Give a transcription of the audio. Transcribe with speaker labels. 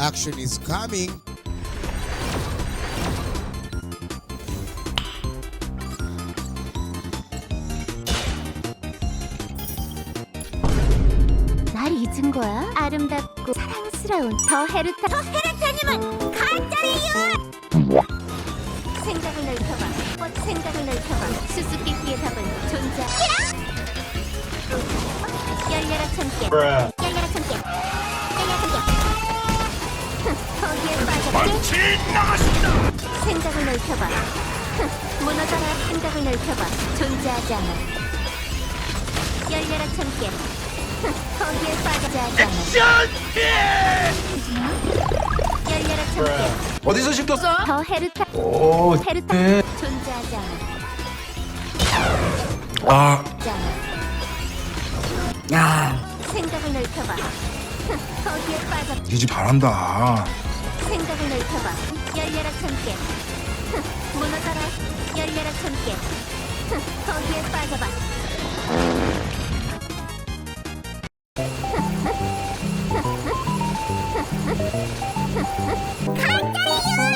Speaker 1: Action is coming.
Speaker 2: 날 잊은 거야? 아름답고 사랑스러운 더 헤르타님은 가짜예요! 생각을 넓혀봐. 생각을 넓혀봐. 수수께끼의 답은 존재. 열려라 참깨. 열려라 참깨. 열려라 참깨. 거기에 빠져. 생각을 넓혀봐. 무너져라. 생각을 넓혀봐. 존재하지 않아. 열려라 참깨. 거기에 빠지지 않아. 열려라 참깨.
Speaker 3: 어디서 시켰어?
Speaker 2: 더 헤르타.
Speaker 3: 오,
Speaker 2: 헤르타.
Speaker 3: 네.
Speaker 2: 존재하지 않아.
Speaker 3: 아,
Speaker 2: 야. 생각을 넓혀봐. 거기에 빠져.
Speaker 3: 이 집 잘한다.
Speaker 2: 생각을 넓혀봐. 열려라 참깨. 무너져라. 열려라 참깨. 거기에 빠져봐. 가!